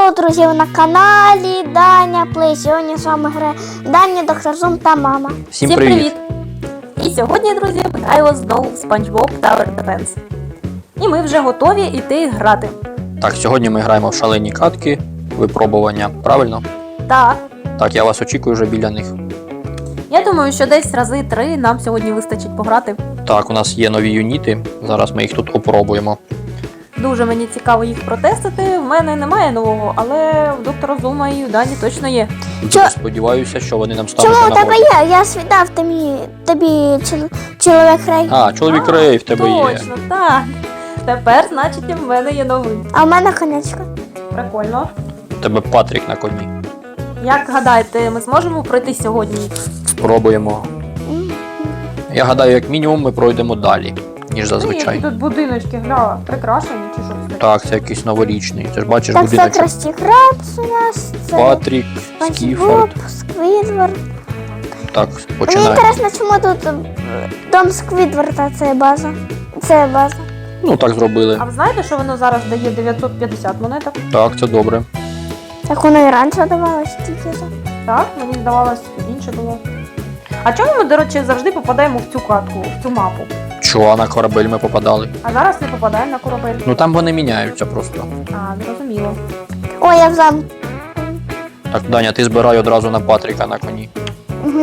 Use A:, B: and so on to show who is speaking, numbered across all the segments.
A: Hello, друзі, ви на каналі Даня Плей. Сьогодні з вами грає Даня, Доктор Зум та мама.
B: Всім привіт! І сьогодні, друзі, ми граємо знову в SpongeBob Tower Defense. І ми вже готові йти грати.
C: Так, сьогодні ми граємо в шалені катки, випробування, правильно?
B: Так.
C: Так, я вас очікую вже біля них.
B: Я думаю, що десь рази 3 нам сьогодні вистачить пограти.
C: Так, у нас є нові юніти, зараз ми їх тут опробуємо.
B: Дуже мені цікаво їх протестити. В мене немає нового, але в доктора Зума і у Дані точно є.
C: Сподіваюся, що вони нам стануть
A: Чому
C: на
A: у тебе
C: нагоді.
A: є? Я свідав тобі чоловік Рей.
C: А, чоловік Рей в тебе є.
B: Точно, так. Тепер, значить, і в мене є новий.
A: А в мене конячка.
B: Прикольно.
C: В тебе Патрік на коні.
B: Як гадаєте, ми зможемо пройти сьогодні?
C: Спробуємо. Я гадаю, як мінімум ми пройдемо далі, ніж зазвичай.
B: Які тут будиночки, гля, прикрашені чи що це?
C: Так, це якийсь новорічний. Ти ж бачиш
A: Так, це
C: будиночок.
A: Красті Крабс у нас. Це
C: Патрік,
A: Спанч
C: Скіфорд.
A: Боб, Сквідвард.
C: Так,
A: Мені
C: починаємо.
A: інтересно, чому тут дом Сквідварда, це база. Це база.
C: Ну, так зробили.
B: А ви знаєте, що воно зараз дає 950 монеток?
C: Так, це добре.
A: Так воно і раніше давалось тільки за.
B: Так, мені здавалось, інше було. А чому ми, до речі, завжди попадаємо в цю катку, в цю мапу?
C: Чого на корабель ми попадали?
B: А зараз не попадаємо на корабель?
C: Ну там вони міняються просто.
B: А, зрозуміло.
A: Ой, я в замку.
C: Так, Даня, ти збирай одразу на Патріка на коні.
A: Угу.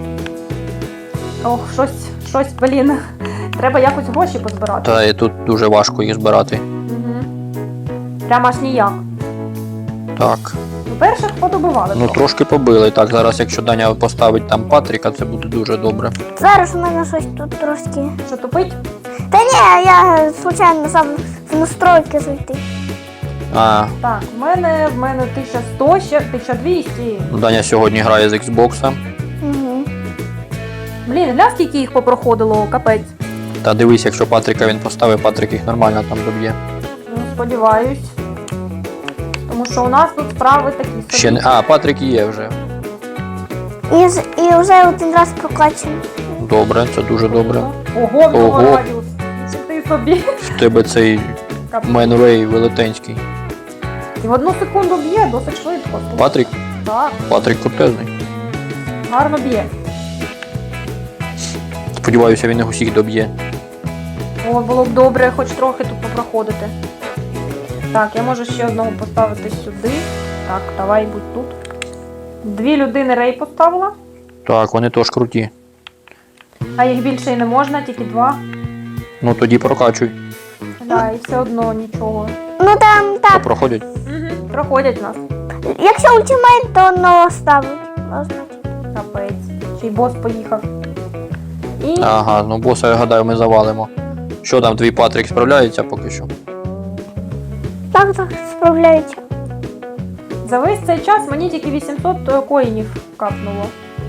B: Ох, щось, блін. Треба якось гроші позбирати.
C: Та і тут дуже важко їх збирати.
B: Угу. Прямо аж ніяк.
C: Так.
B: Ну, перших подобивали.
C: Ну трошки побили. Так, зараз якщо Даня поставить там Патріка, це буде дуже добре.
A: Зараз у мене щось тут трошки.
B: Що тупить?
A: Та ні, я случайно сам в настройки зайти.
C: А,
B: Так, в мене 1100, ще 1200.
C: Даня сьогодні грає з Xbox.
A: Угу.
B: Блін, гля, скільки їх попроходило, капець.
C: Та дивись, якщо Патріка він поставить, Патрік їх нормально там доб'є.
B: Ну, сподіваюсь. Тому що у нас тут справи такі собі.
C: Ще не. А, Патрік є вже.
A: І вже один раз прокачаний.
C: Добре, це дуже добре.
B: Ого, в
C: Ого.
B: нього радіус. Чи ти собі?
C: В тебе цей Менвей велетенський.
B: І в 1 секунду б'є, досить швидко.
C: Патрік?
B: Так,
C: Патрік крутезний.
B: гарно б'є.
C: Сподіваюся, він їх усіх доб'є.
B: О, було б добре хоч трохи тут попроходити. Так, я можу ще одного поставити сюди. Так, давай будь тут. 2 людини Рей поставила.
C: Так, вони теж круті.
B: А їх більше і не можна, тільки 2.
C: Ну тоді прокачуй.
B: Так, і все одно нічого.
A: Ну там
C: Та
A: так.
C: проходять.
B: Угу. Проходять нас.
A: Якщо ультимейт, то одного ставить.
B: Капець. Ще й бос поїхав. І
C: Ага, ну боса, я гадаю, ми завалимо. Що там, твій Патрік справляється поки що?
A: Так, справляється.
B: за весь цей час мені тільки 800 коїнів капнуло.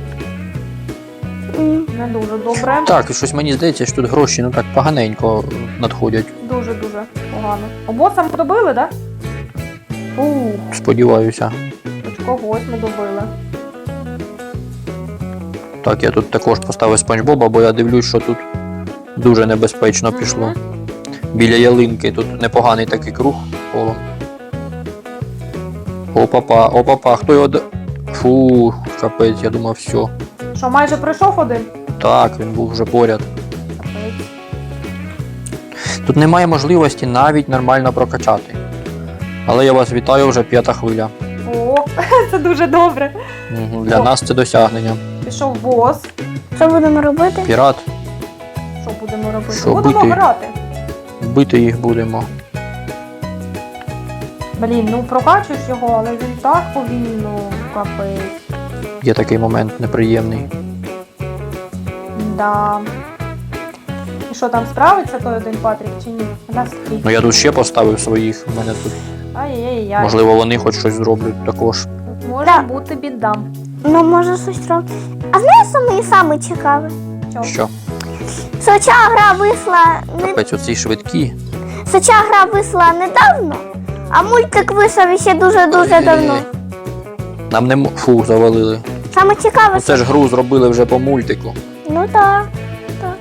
B: Не дуже добре.
C: Так, і щось мені здається, що тут гроші ну так поганенько надходять.
B: Дуже-дуже погано. О, боса ми добили, так? Да?
C: Сподіваюся.
B: Хоч когось ми добили.
C: Так, я тут також поставив Спанч Боба, бо я дивлюсь, що тут дуже небезпечно пішло. Біля ялинки тут непоганий такий круг колом. Опа-па, опа-па, хто його... Фу, капець, я думав, все.
B: Що, майже пройшов один?
C: Так, він був вже поряд.
B: Капець.
C: Тут немає можливості навіть нормально прокачати. Але я вас вітаю, вже 5-та хвиля.
B: О, це дуже добре.
C: Для нас це досягнення.
B: Пішов бос.
A: Що будемо робити?
C: Пірат,
B: Що будемо робити?
C: Що,
B: Будемо
C: бити?
B: грати.
C: бити їх будемо.
B: Блін, ну прокачуєш його, але він так повільно, капець.
C: Є такий момент неприємний.
B: Да. І що, там справиться той один Патрік чи ні? Наскільки?
C: Ну я тут ще поставив своїх, у мене тут.
B: Ай-яй-яй.
C: Можливо, вони хоч щось зроблять також.
B: Тут може
A: Да.
B: бути біда.
A: Ну, може щось робити. А знаєш, що мені саме цікаве?
C: Що?
A: Що ця гра вийшла
C: Капець, оці швидкі.
A: недавно, а мультик вийшов ще дуже-дуже давно.
C: Нам не фу, завалили.
A: Саме цікаве,
C: Ну, це ж гру зробили вже по мультику.
A: ну так.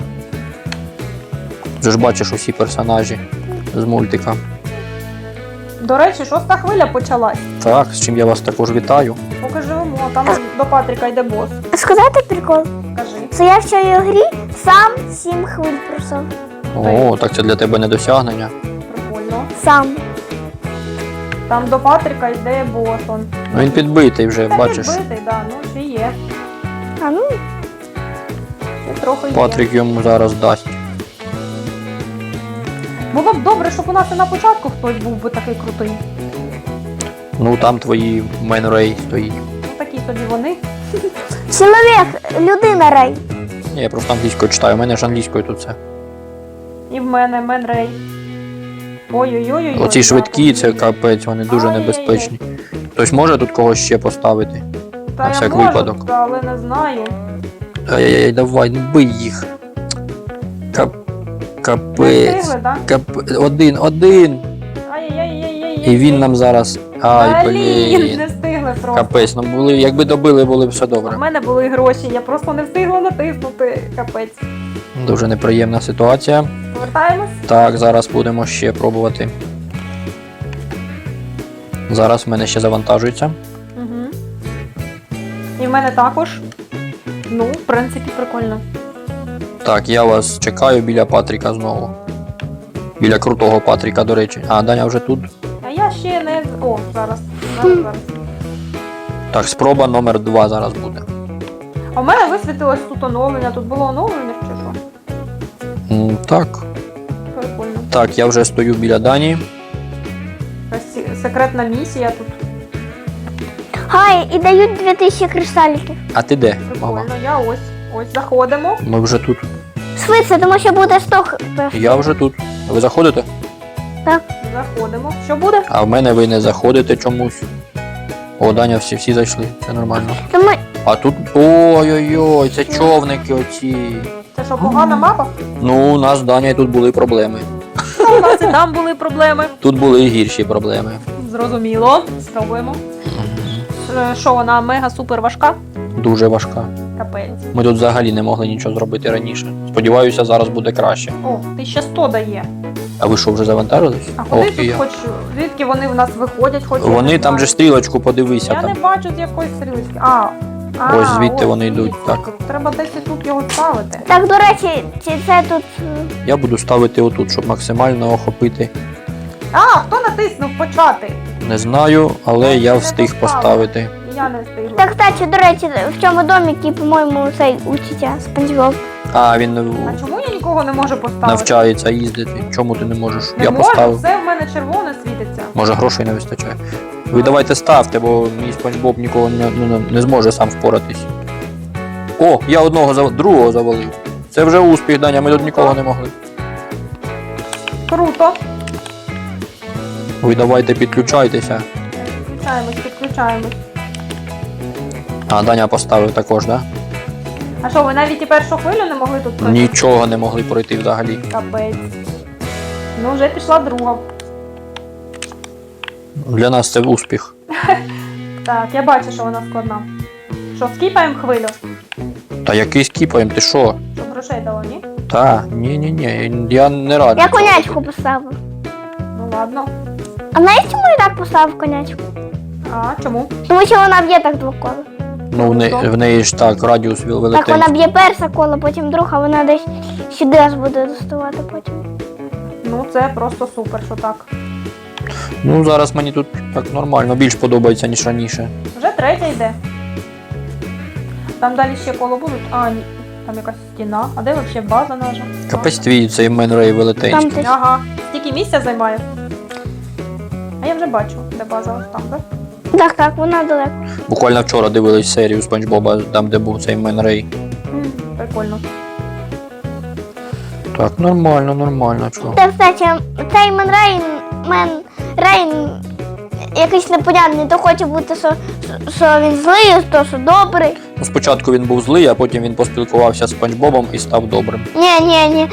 C: Вже ж бачиш усі персонажі з мультика.
B: До речі, 6-та хвиля почалась.
C: Так, з чим я вас також вітаю.
B: Поки живемо, там до Патріка йде бос.
A: Сказати прикол?
B: Кажи.
A: Це я в цій грі сам 7 хвиль пройшов.
C: О, так це для тебе не досягнення.
B: Прикольно.
A: Сам.
B: Там до Патріка йде бос. Он.
C: Ну він підбитий вже,
B: Та
C: бачиш.
B: підбитий, да, ну ще є.
A: А ну,
B: Ще трохи є.
C: Патрік йому зараз дасть.
B: Було б добре, щоб у нас і на початку хтось був би такий крутий.
C: Ну там твої Менрей стоїть.
B: Ну такі собі вони.
A: чоловік, людина рай.
C: Ні, я просто англійською читаю, у мене ж англійською тут все.
B: І в мене Менрей. Ой-ой-ой.
C: Оці швидкі, це капець, вони дуже
B: Ай-яй-яй.
C: небезпечні. Хтось може тут когось ще поставити?
B: Та
C: на
B: я
C: всяк
B: можу,
C: випадок.
B: та, але не знаю.
C: Ай-яй-яй, давай, ну бий їх.
B: Не
C: Капець.
B: встигли, так?
C: Один.
B: Ай-яй-яй-яй-яй.
C: І він нам зараз. Ай,
B: Блін,
C: блін.
B: не встигли просто.
C: Капець, ну були, якби добили, було б все
B: У
C: добре.
B: мене були гроші, я просто не встигла натиснути. Капець.
C: Дуже неприємна ситуація.
B: Повертаємось?
C: Так, зараз будемо ще пробувати. Зараз в мене ще завантажується.
B: Угу. І в мене також. Ну, в принципі, прикольно.
C: Так, я вас чекаю біля Патріка знову. Біля крутого Патріка, до речі. А, Даня вже тут.
B: А я ще не. О, зараз. Зараз.
C: Так, спроба номер 2 зараз буде.
B: А в мене висвітилось тут оновлення. Тут було оновлення чи що?
C: Так.
B: Прикольно.
C: Так, я вже стою біля Дані.
B: Якась секретна місія тут.
A: Хай, і дають 2000 кристаліків.
C: А ти де, мама?
B: Прикольно. Я ось. Ось заходимо.
C: Ми вже тут.
A: Швидше, тому що буде 100
C: Я вже тут. Ви заходите?
B: Заходимо. Що буде?
C: А в мене ви не заходите чомусь. О, Даня, всі зайшли, це нормально.
A: Тому
C: А тут. Ой-ой-ой, це човники оці.
B: Це що, погана мапа?
C: Ну, у нас з Даня тут були проблеми.
B: У нас і там були проблеми.
C: Тут були і гірші проблеми.
B: Зрозуміло. Спробуємо. Що, вона мега-супер важка?
C: Дуже важка.
B: Капець.
C: Ми тут взагалі не могли нічого зробити раніше. Сподіваюся, зараз буде краще.
B: О, 1100 дає.
C: А ви що, вже завантажились?
B: А куди
C: Ох, і
B: тут
C: я.
B: хоч, звідки вони в нас виходять? Хоч я
C: Вони
B: не
C: там
B: знаю.
C: же стрілочку подивися
B: Я
C: там.
B: не бачу з якоїсь стрілочки.
C: Ось звідти вони
B: звідси.
C: йдуть, так.
B: Треба десь і тут його ставити.
A: так, до речі, чи це тут.
C: Я буду ставити отут, щоб максимально охопити.
B: А, хто натиснув почати?
C: Не знаю, але я встиг поставити.
B: І я не встигла.
A: Так, кстати, до речі, в цьому домі, по-моєму, цей учиться Спанч Боб.
C: А, він
B: А чому я нікого не можу поставити?
C: навчається їздити. Чому ти не можеш?
B: Не
C: Я
B: можу,
C: поставив.
B: все в мене червоне світиться.
C: Може грошей не вистачає. Ви давайте ставте, бо мій Спанч Боб ніколи не зможе сам впоратись. О, я другого завалив. Це вже успіх, Даня, ми тут нікого не могли.
B: Круто.
C: Ви давайте підключайтеся.
B: Підключаємось.
C: А, Даня поставив також, так?
B: А що, ви навіть і першу хвилю не могли тут
C: Да?
B: пройти?
C: Нічого не могли пройти взагалі.
B: Капець. Ну, вже пішла друга.
C: Для нас це успіх.
B: Так, я бачу, що вона складна. Що, скіпаємо хвилю?
C: Та який скіпаємо, ти що?
B: Щоб грошей дало, ні?
C: Та, ні, я не радий.
A: Я конячку поставив.
B: Ну ладно.
A: А знаєш, чому я так поставив конячку?
B: А, чому?
A: Тому що вона б'є так двокола.
C: Ну, в неї ж так, радіус
A: Так,
C: великий.
A: вона б'є перше коло, потім друге, а вона десь сюди аж буде доставати потім.
B: Ну, це просто супер, що так.
C: Ну, зараз мені тут так нормально, більш подобається, ніж раніше.
B: Вже третя йде. Там далі ще коло будуть. А, ні. Там якась стіна. А де взагалі база наша?
C: Капець твій цей Менрей велетенський.
A: Там
B: Ага. Стільки місця займає. А я вже бачу, де база ось там, так?
A: Так, вона далеко.
C: Буквально вчора дивились серію Спанч Боба, там де був цей Менрей.
B: Прикольно.
C: Так, нормально, чого.
A: Так, кстати, цей Рейн якийсь непонятний, то хоче бути, що він злий, то що добрий.
C: Ну, спочатку він був злий, а потім він поспілкувався з Спанч Бобом і став добрим.
A: Ні.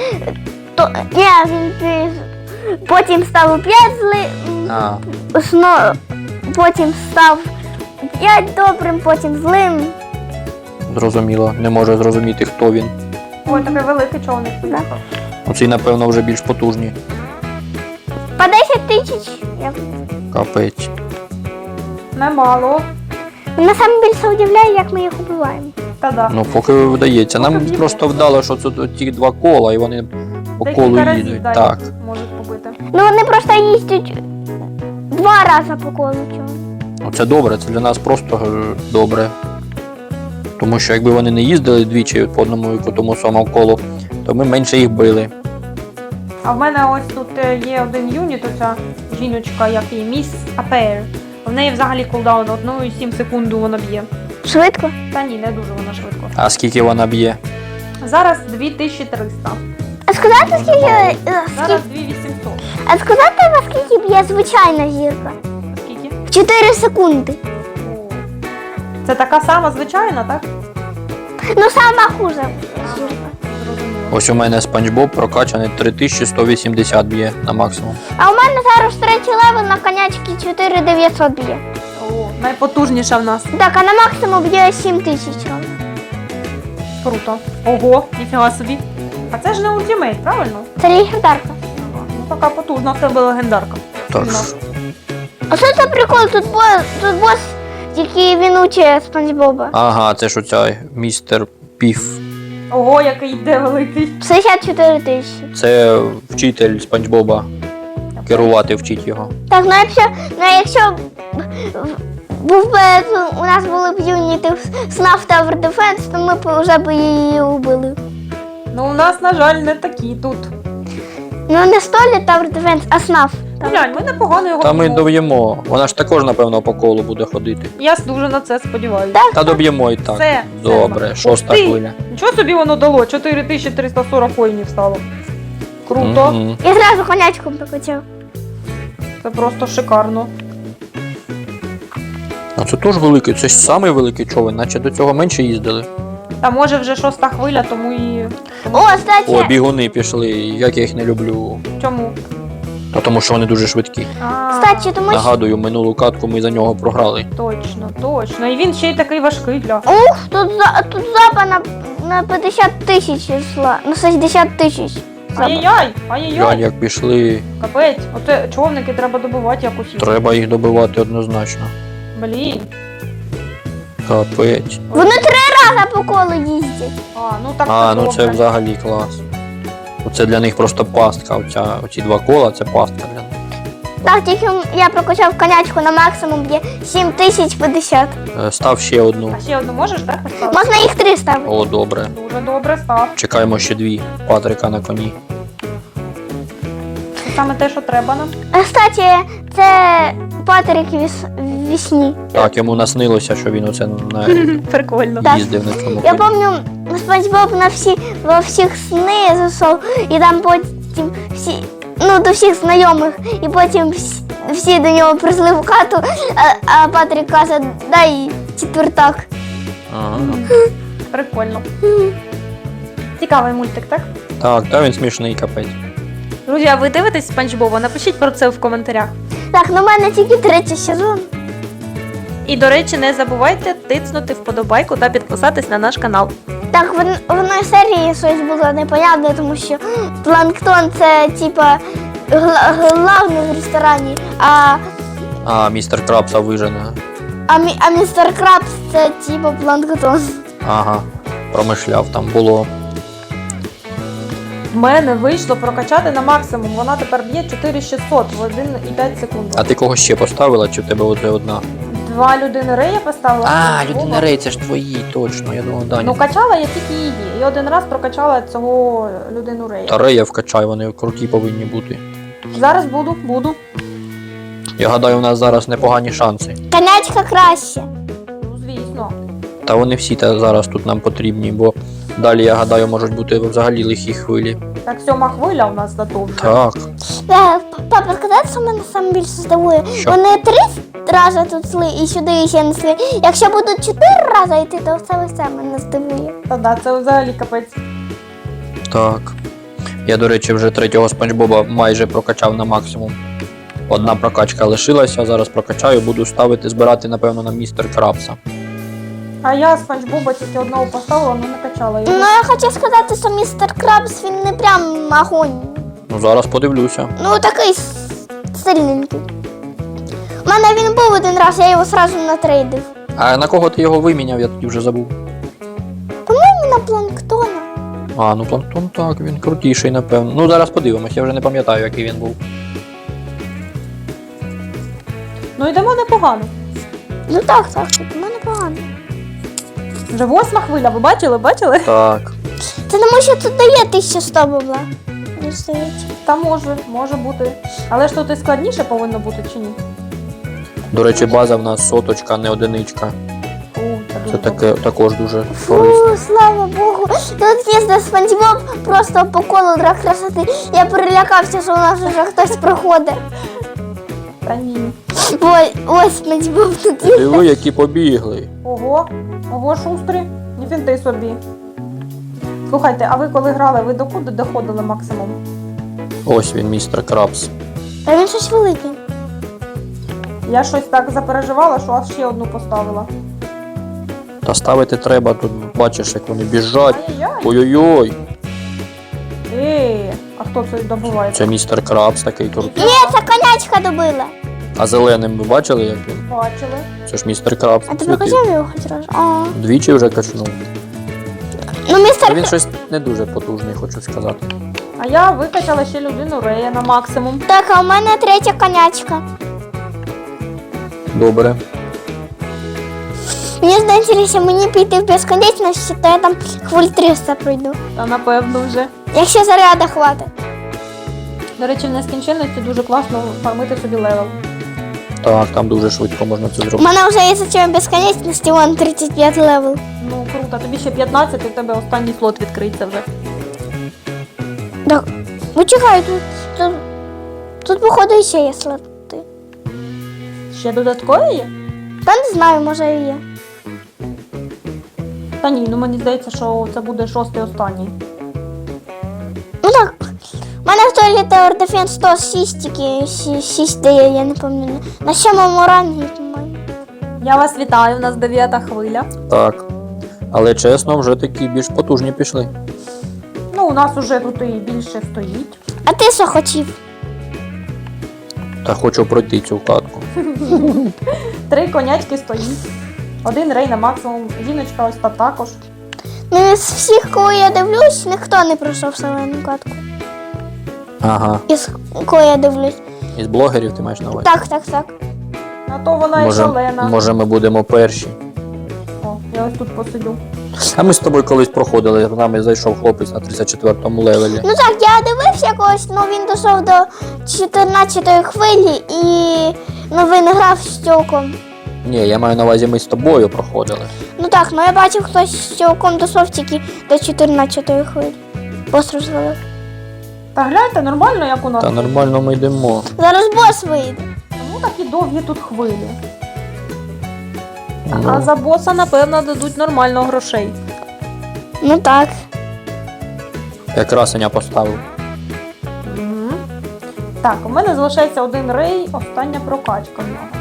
A: Він потім став опять злим,
C: А,
A: потім став опять добрим, потім злим.
C: зрозуміло, не може зрозуміти, хто він.
B: Ой, такий великий човник.
A: Да.
C: Оці, напевно, вже більш потужні.
A: По 10 тисяч.
C: Капець.
B: Немало.
A: Мене саме більше удивляє, як ми їх убиваємо.
B: Та-да.
C: Ну, поки вдається. Нам
B: Поки
C: просто вдало, що це ті два кола, і вони по колу
B: Декілька разів,
C: їдуть.
B: да,
C: Так.
B: їх можуть побити.
A: Ну вони просто їздять 2 рази по колу цього.
C: Ну, це добре, це для нас просто добре. Тому що якби вони не їздили двічі по одному і по тому самому колу, то ми менше їх били.
B: А в мене ось тут є один юніт, оця жіночка, як її, Міс Апер. В неї взагалі кулдаун 1,7 секунду вона б'є.
A: Швидко.
B: Та ні, не дуже вона швидко.
C: А скільки вона б'є?
B: Зараз 2300.
A: А сказати, скільки,
B: Зараз 2800.
A: а сказати, наскільки б'є звичайна зірка?
B: Скільки?
A: В 4 секунди.
B: О. Це така сама звичайна, так?
A: Ну, сама хуже зірка.
B: Зрозуміло.
C: Ось у мене Спанч Боб прокачаний 3180 б'є на максимум.
A: А у мене зараз 3-й левел на конячки 4900 б'є.
B: О, найпотужніша в нас.
A: Так, а на максимум б'є 7000 ровно.
B: Круто. Ого, ніфіга собі. А це ж не ультимейт, правильно?
A: Це легендарка.
B: Ага. Ну така потужна в тебе легендарка.
C: Так.
B: Сильна.
A: А що це прикол? Тут бос, який він учить Спанч Боба.
C: Ага, це ж оця містер Піф.
B: Ого, який йде великий.
A: 64 тисячі.
C: Це вчитель Спанч Боба. Керувати вчить його.
A: Так, якщо був би, у нас були б юніти СНАФ Tower Defense, то ми б вже б її убили.
B: Ну у нас, на жаль, не такі тут.
A: Ну не столі Tower Defense, а СНАФ.
B: Глянь, ми непогано його
C: Та ми
B: б'ємо.
C: доб'ємо. Вона ж також, напевно, по колу буде ходити.
B: Я дуже на це сподіваюся.
C: Та доб'ємо і так.
B: Все.
C: Добре,
B: Ух
C: шоста
B: ти!
C: хвиля.
B: Нічого собі воно дало, 4340 коїнів стало. Круто.
C: Мгм.
A: Я зразу конячком покачав.
B: Це просто шикарно.
C: А це теж великий, це ж самий великий човен, наче до цього менше їздили.
B: Та може вже 6-та хвиля, тому і.
A: О,
C: О,
A: кстати,
C: бігуни пішли, як я їх не люблю.
B: Чому?
C: Та тому що вони дуже швидкі.
A: кстати, тому що...
C: Нагадую, минулу катку ми за нього програли.
B: Точно, точно. І він ще й такий важкий для.
A: Ух, тут запа на 50 тисяч йшла, на 60 тисяч.
B: Ай-яй-яй!
C: Глянь,
B: Ай-яй-яй!
C: як пішли,
B: Капець, оце човники треба добивати якось.
C: треба їх добивати однозначно.
B: Блін.
C: Капець.
A: Вони 3 рази по колу їздять.
B: А, ну так
C: А,
B: це
C: ну це
B: добре.
C: взагалі клас. Оце для них просто пастка. Оці два кола це пастка для них.
A: Так, тільки я прокачав конячку на максимум б'є 7050.
C: Став ще одну.
B: А ще одну можеш, так, поставити?
A: Можна їх 3 ставити.
C: О, добре.
B: Дуже добре, став.
C: Чекаємо ще дві Патрика на коні.
B: Це саме те, що треба нам.
A: Кстати, це Патрик вісні.
C: Так, йому наснилося, що він оце
B: Прикольно.
A: Так.
C: їздив на цьому
A: Я
C: коні.
A: пам'ятаю, Спанч Боб во всіх сни зайшов, і там потім до всіх знайомих, і потім всі до нього прийшли в хату, а Патрик каже, дай четвертак.
C: Ага.
B: Прикольно. Цікавий мультик, так?
C: Так, та він смішний капець.
B: Друзі, а ви дивитесь Спанч Боба? Напишіть про це в коментарях.
A: Так, ну в мене тільки 3-й сезон.
B: І, до речі, не забувайте тиснути вподобайку та підписатись на наш канал.
A: Так, в одній серії щось було непонятне, тому що планктон це типа главний в ресторані,
C: А, містер Крабса вижене.
A: а містер Крабс це типа планктон.
C: Ага. Промишляв, там було.
B: В мене вийшло прокачати на максимум. Вона тепер б'є 4600 в 1,5 секунди.
C: А ти кого ще поставила, чи в тебе оце одна?
B: 2 людини Рея поставила.
C: А,
B: Спанч Боба.
C: людина Рей, це ж твої, точно, я думав, Даня.
B: Ну, качала я тільки її. І один раз прокачала цього людину Рея.
C: Та Рея вкачай, вони круті повинні бути.
B: Зараз буду.
C: Я гадаю, у нас зараз непогані шанси.
A: Конячка краще.
B: Ну, звісно.
C: Та вони всі зараз тут нам потрібні, бо далі, я гадаю, можуть бути взагалі лихі хвилі.
B: Так, 7-ма хвиля у нас готова.
C: Так.
A: Папа, сказати, що мене саме більше здивує.
C: Що?
A: Вони 3 рази тут йшли і сюди ще не йшли. Якщо будуть 4 рази йти, то все мене здивує.
B: Та да, це взагалі капець.
C: Так. Я, до речі, вже 3-го Спанч Боба майже прокачав на максимум. Одна прокачка лишилася, зараз прокачаю, буду ставити, збирати, напевно, на містер Крабса.
B: А я Спанч Боба тільки одного поставила, але не качала
A: Ну,
B: його.
A: я хочу сказати, що містер Крабс, він не прям огонь.
C: Ну, зараз подивлюся.
A: Ну, такий сильненький. У мене він був один раз, я його сразу натрейдив.
C: А на кого ти його виміняв, я тоді вже забув.
A: По-моєму, на планктона.
C: А, ну планктон так, він крутіший, напевно. Ну зараз подивимось, я вже не пам'ятаю, який він був.
B: Ну йдемо непогано.
A: Ну так, у мене погано.
B: Вже 8 хвиля, ви бачили? Бачили?
C: Так.
A: Це тому, що тут дає 1100 бабла. Не здається.
B: Та може бути. Але ж тут і складніше повинно бути чи ні?
C: До речі, база в нас соточка, не одиничка.
B: О,
C: Це
B: дуже
C: таке також дуже
A: Фу,
C: корисно.
A: слава Богу. Тут їздив Спанч Боб просто по колу для красоти. Я перелякався, що у нас вже хтось проходить.
B: Та ні.
A: Ось Спанч Боб тут є.
C: Диви, які побігли.
B: Ого, шустрі. Не фінти собі. Слухайте, а ви коли грали, ви докуди доходили максимум?
C: Ось він, містер Крабс.
A: Та він щось великий.
B: Я щось так запереживала, що аж ще одну поставила.
C: Та ставити треба, тут бачиш, як вони біжать.
B: Ай-яй!
C: Ой-ой-ой.
B: А хто це добуває?
C: Це містер Крабс такий крутий.
A: Ні, це конячка добила.
C: А зеленим ви бачили, як він?
B: Бачили.
C: Це ж містер Крабс.
A: А ти
C: цвітив.
A: прокачав його хоч раз? А.
C: Двічі вже качнув.
A: Ну, містер...
C: А він щось не дуже потужний, хочу сказати.
B: А я викачала ще людину Рея на максимум.
A: Так, а у мене третя конячка.
C: Добре.
A: Мені здається, якщо мені піти в безконечність, то я там хвиль 300 пройду.
B: Та напевно вже.
A: Якщо заряда хватить.
B: До речі, в нескінченності дуже класно фармити собі левел.
C: Так, там дуже швидко можна це
A: У
C: зробити.
A: мене вже є зачем безконечності, вон 35 левел.
B: Ну круто, тобі ще 15 і в тебе останній слот відкриється вже.
A: Так, почекай, тут походу ще є слоти.
B: Ще додаткові є?
A: Та не знаю, може і є.
B: Та ні, ну мені здається, що це буде 6-й останній.
A: Ну так, у мене в туалеті Tower Defense 106 тільки 6 дає, я не пам'ятаю. На 7-му рангі, по-моєму.
B: Я вас вітаю, у нас 9-та хвиля.
C: Так. Але чесно, вже такі більш потужні пішли.
B: Ну, у нас уже тут і більше стоїть.
A: А ти що хотів?
C: Та хочу пройти цю катку.
B: 3 конячки стоїть. 1 рей на максимум. Жіночка ось та також.
A: Ну, із всіх, кого я дивлюсь, ніхто не пройшов зелену катку.
C: Ага.
A: Із кого я дивлюсь.
C: Із блогерів ти маєш на увазі?
A: Так.
B: А то вона і шалена.
C: Може ми будемо перші.
B: О, я ось тут посидю.
C: А ми з тобою колись проходили, з нами зайшов хлопець на 34-му левелі.
A: Ну так, я дивився когось, ну він дійшов до 14-ї хвилі і ну, він грав з цілком.
C: Ні, я маю на увазі, ми з тобою проходили.
A: Ну так, ну я бачив, хтось з цілком дійшов тільки до 14-ї хвилі. Бос розвалив.
B: Та гляньте, нормально, як у нас.
C: Та нормально ми йдемо.
A: Зараз бос вийде.
B: Тому такі довгі тут хвилі. А
C: Ну,
B: за боса, напевно, дадуть нормально грошей.
A: Ну так.
C: я красення поставив.
B: Мгм. Так, у мене залишається 1 рей, остання прокачка в нього.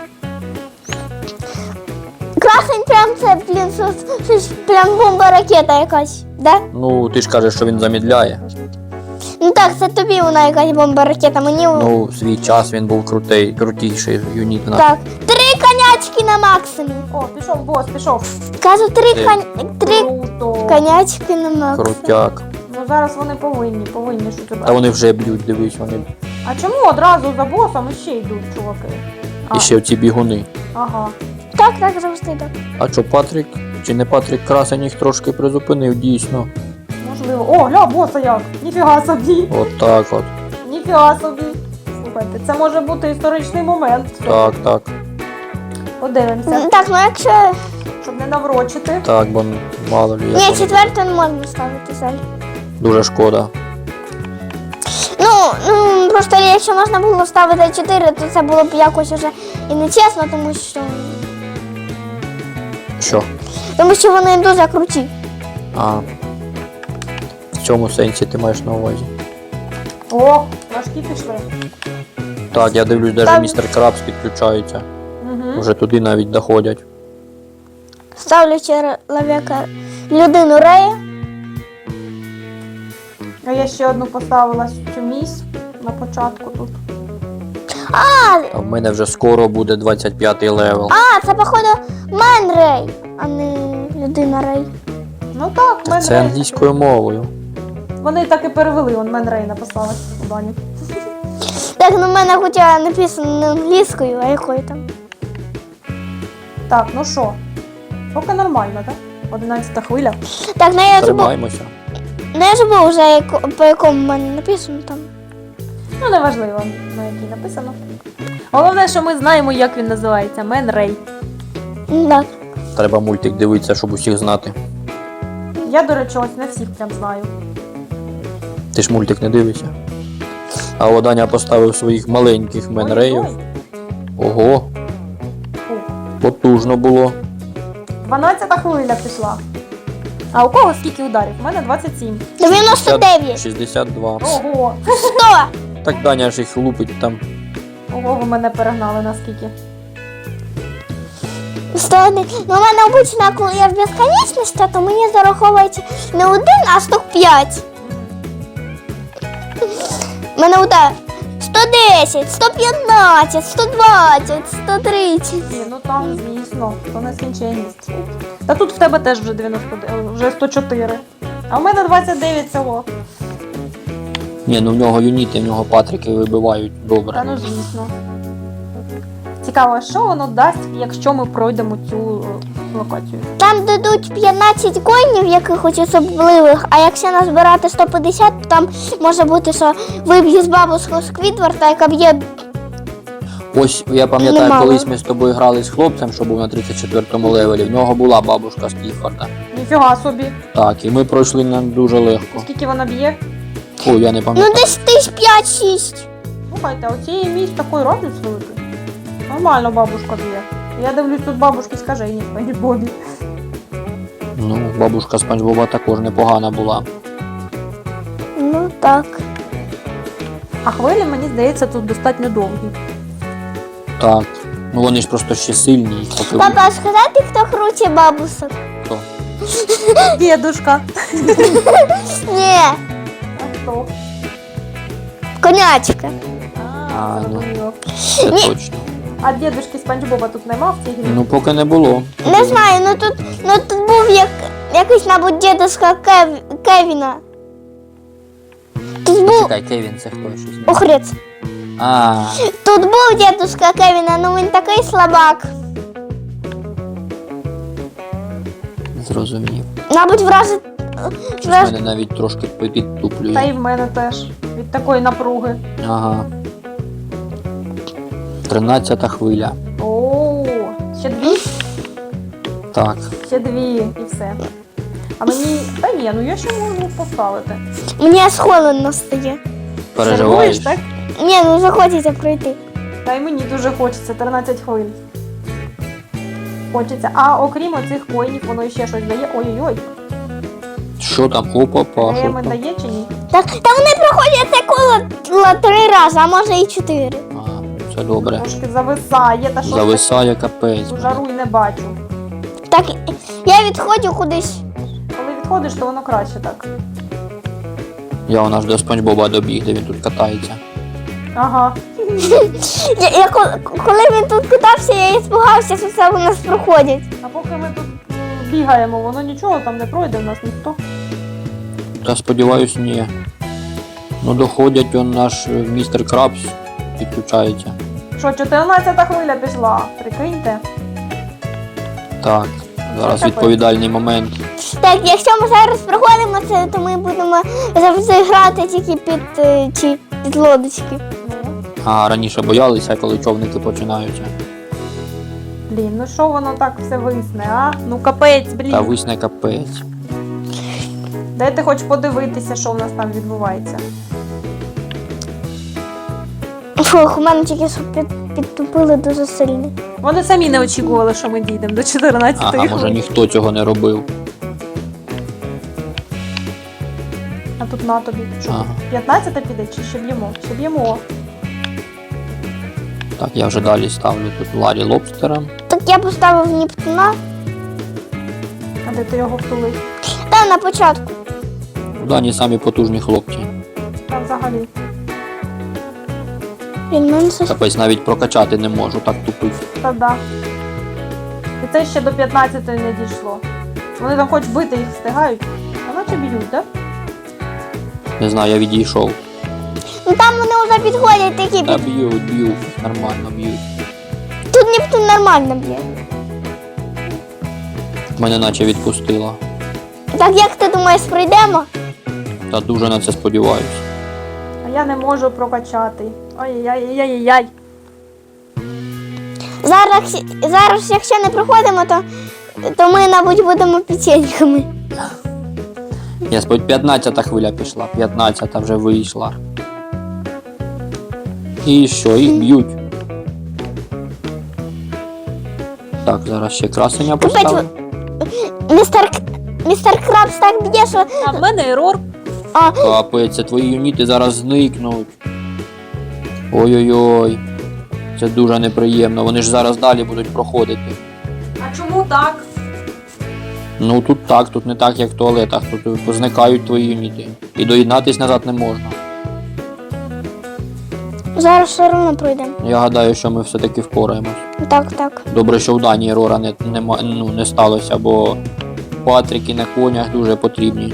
A: Красень прям це, блін, щось прям бомба-ракета якась, да?
C: Ну, ти ж кажеш, що він замідляє.
A: Ну так, це тобі вона якась бомба-ракета, мені...
C: Ну, в свій час він був крутіший юніт.
A: Так, 3 конячки на максимум.
B: О, пішов бос, пішов.
A: Кажу, 3
C: Ти.
B: Круто.
A: конячки на максимум.
C: Крутяк.
B: Ну зараз вони повинні що тебе.
C: Та вони вже б'ють, дивись, вони.
B: А чому одразу за босом ще йдуть, чуваки?
C: І ще ці бігуни.
B: Ага.
A: Так, завжди так.
C: А що, Патрік? Чи не Патрік Красень їх трошки призупинив, дійсно.
B: Можливо. О, гля, боса як! Ніфіга собі!
C: От так от.
B: Ніфіга собі! Слухайте, це може бути історичний момент.
C: Так.
B: Подивимося,
A: Так, ну якщо...
B: щоб не наврочити.
C: Так, бо мало лі.
A: Ні,
C: як воно.
A: 4 не можна ставити заль.
C: Дуже шкода.
A: Ну, просто якщо можна було ставити 4, то це було б якось уже і нечесно, тому що вони дуже круті.
C: А. В цьому сенсі ти маєш на увазі.
B: О, важкі пішли.
C: Так, я дивлюсь, навіть
A: Там-
C: містер Крабс підключається.
B: Угу.
C: Вже туди навіть доходять.
A: Ставлю чоловіка людину Рея.
B: А я ще одну поставила цю місь на початку тут.
C: А в мене вже скоро буде 25-й левел.
A: А, це походу Мен Рей, а не людина Рей.
B: Ну так, Мен
C: Це
B: Рей.
C: англійською мовою.
B: Вони так і перевели, он Мен Рей написали у Дані.
A: Так, ну в мене хоча написано не англійською, а якою там.
B: Так, ну що? Поки нормально, так? 11 хвиля.
A: Так, ну я забув,
C: Тримаємося.
A: вже по якому в мене написано там.
B: Ну, неважливо, на якій написано. Головне, що ми знаємо, як він називається. Мен Рей.
A: Так.
C: Треба мультик дивитися, щоб усіх знати.
B: Я, до речі, ось не всіх прям знаю.
C: Ти ж мультик не дивишся. А от Даня поставив своїх маленьких менреїв.
B: Ой-ой.
C: Ого,
B: Фу.
C: потужно було.
B: 12 хвиля пішла. А у кого скільки ударів? У мене 27.
A: 99.
C: 62.
B: Ого!
A: 100.
C: Так Даня ж їх лупить там.
B: Ого, ви мене перегнали наскільки.
A: 101. Ну, у мене обично, коли я в безконечності, то мені зараховується не 1, а штук 5. У мене удар 110, 115, 120, 130.
B: Ні, ну там, звісно, то нескінченність. Та тут в тебе теж вже вже 104. А в мене 29 всього.
C: Ні, ну в нього юніти, в нього патрики вибивають
B: Та
C: добре.
B: ну звісно. Цікаво, що воно дасть, якщо ми пройдемо цю локацію.
A: Там дадуть 15 коїнів якихось особливих, а якщо назбирати 150, то там може бути, що виб'є з бабушку Сквідварда, яка б'є.
C: Ось я пам'ятаю,
A: Немало.
C: колись ми з тобою грали з хлопцем, що був на 34-му левелі. В нього була бабушка з Кліфорда.
B: Ніфіга собі.
C: Так, і ми пройшли нам дуже легко.
B: Скільки вона б'є?
C: Ой, я не
A: Ну
C: пам'ятаю.
A: десь тисяч 5-6.
B: Слухайте, оцієї місць такий радіус великий. Нормально бабушка б'є. Я дивлюсь, тут бабушки скажені, пані Бобі.
C: Ну, бабушка Спанч Боба також непогана була.
A: Ну так.
B: А хвилі, мені здається, тут достатньо довгі.
C: Так. Ну вони ж просто ще сильні. Їх поки
A: Папа, а сказати, хто круче бабусок?
C: Хто?
B: Дедушка.
A: Ні,
B: А хто?
A: конячка.
C: А, ну.
B: зрозуміло.
C: Це
A: Ні.
C: точно.
B: А дедушки Спанч Боба тут нема в цій грі?
C: Ну поки не було.
A: Не знаю, ну тут був якийсь, мабуть, дідуська Кевіна. Тут був
C: Чекай, Кевін, це хто щось?
A: охрець.
C: А,
A: Тут був дідуська Кевіна, ну він такий слабак.
C: зрозумів.
A: Мабуть, вразить.
C: Щось мене навіть трошки підтуплює.
B: Та і в мене теж. Від такої напруги.
C: Ага. 13-та хвиля.
B: О, ще дві?
C: Так.
B: Ще дві і все. А мені. Та ні, ну я ще можу поставити.
A: Мені аж холодно стає.
C: Переживаєш?
B: Так?
A: Ні, ну вже хочеться пройти.
B: Та й мені дуже хочеться 13 хвилин. Хочеться. А окрім оцих коїнів, воно ще щось дає. Ой-ой-ой.
C: Що там? Опа, що
B: Геми
C: там?
B: дає чи ні?
A: Так, та вони проходять це коло 3 рази, а може і 4.
C: А, це добре.
B: Трошки зависає, та що
C: Зависає капець.
B: таке? Жару й не бачу.
A: Так, я відходжу кудись.
B: Коли відходиш, то воно краще так.
C: Я у нас до Спанч Боба добіг, де він тут катається.
B: Ага.
A: Коли він тут катався, я і спугався, що це у нас проходять.
B: А поки ми тут бігаємо, воно нічого там не пройде в нас ніхто.
C: Та сподіваюсь, ні. Ну доходять, он наш містер Крабс підключається.
B: Що, 14-та хвиля пішла? Прикиньте.
C: Так, зараз
B: Це
C: відповідальний момент.
A: Так, якщо ми зараз проходимо це, то ми будемо завжди грати тільки під лодочки.
B: Ну,
C: А раніше боялися, коли човники починаються.
B: блін, ну що воно так все висне, а? Ну капець, блін.
C: Та висне капець.
B: Дайте хоч подивитися, що в нас там відбувається.
A: Фух, у мене тільки що підтупили дуже сильно.
B: Вони самі не очікували, що ми дійдемо до 14-ї
C: Ага,
B: хвилини.
C: може ніхто цього не робив.
B: А тут на тобі. Що,
C: Ага.
B: 15-та піде чи ще б'ємо? Ще б'ємо.
C: Так, я вже далі ставлю тут Ларі Лобстера.
A: Так я поставив Нептуна.
B: А де ти його втулив?
A: Та на початку.
C: У Дані самі потужні хлопці.
B: Там взагалі.
A: Блін, мене щось...
C: Капець, навіть прокачати не можу, так тупив.
B: Та да. І це ще до 15 не дійшло. Вони там хоч бити їх встигають, а наче б'ють, так?
C: Не знаю, я відійшов.
A: Ну там вони вже підходять такі
C: Та
A: під...
C: б'ють, нормально б'ють.
A: Тут Нептун нормально б'є.
C: Мене наче відпустило.
A: Так як ти думаєш, пройдемо?
C: Та дуже на це сподіваюся.
B: А я не можу прокачати. Ой-яй-яй-яй-яй.
A: Зараз, якщо не проходимо, то ми, мабуть, будемо печеньками.
C: Я сподь 15-та хвиля пішла, 15-та вже вийшла. І що, їх б'ють. Так, зараз ще красення поставлю.
A: Містер Крабс так б'є, що...
B: А в мене ерор.
A: А,
C: Капець, це твої юніти зараз зникнуть. Ой-ой-ой. Це дуже неприємно, вони ж зараз далі будуть проходити.
B: А чому так?
C: Ну тут так, тут не так, як в туалетах, тут зникають твої юніти. І доєднатись назад не можна.
A: зараз все одно пройдемо.
C: Я гадаю, що ми все-таки впораємось.
A: Так.
C: Добре, що в Данії Рора не сталося, бо Патріки на конях дуже потрібні.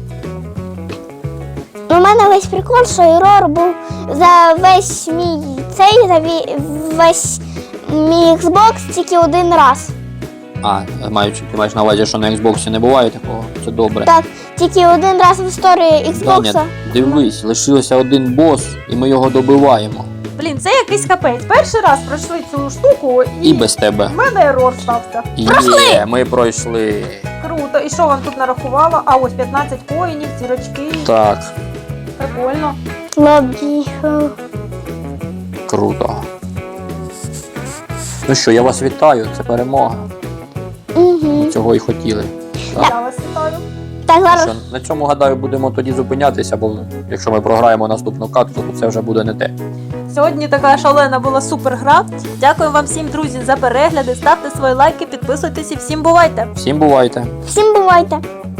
A: У мене весь прикол, що Ерор був за весь мій весь мій Xbox тільки один раз.
C: А, ти маєш на увазі, що на Xbox не буває такого? Це добре.
A: Так, тільки один раз в історії Xbox.
C: Даня, дивись, лишився один бос, і ми його добиваємо.
B: Блін, це якийсь капець. Перший раз пройшли цю штуку
C: І без тебе.
B: в мене ерор стався.
C: Є, ми пройшли.
B: Круто. І що вам тут нарахувало? А ось 15 коїнів, зірочки.
C: Так,
B: Прикольно.
A: Лобіхав.
C: круто. Ну що, я вас вітаю, це перемога.
A: Угу.
C: Цього і хотіли.
B: Я вас вітаю.
A: Так,
C: Ну
A: зараз.
C: що, на цьому, гадаю, будемо тоді зупинятися, бо якщо ми програємо наступну катку, то це вже буде не те.
B: Сьогодні така шалена була супер гра. Дякую вам всім, друзі, за перегляди. Ставте свої лайки, підписуйтесь і всім бувайте!
C: Всім бувайте!
A: Всім бувайте.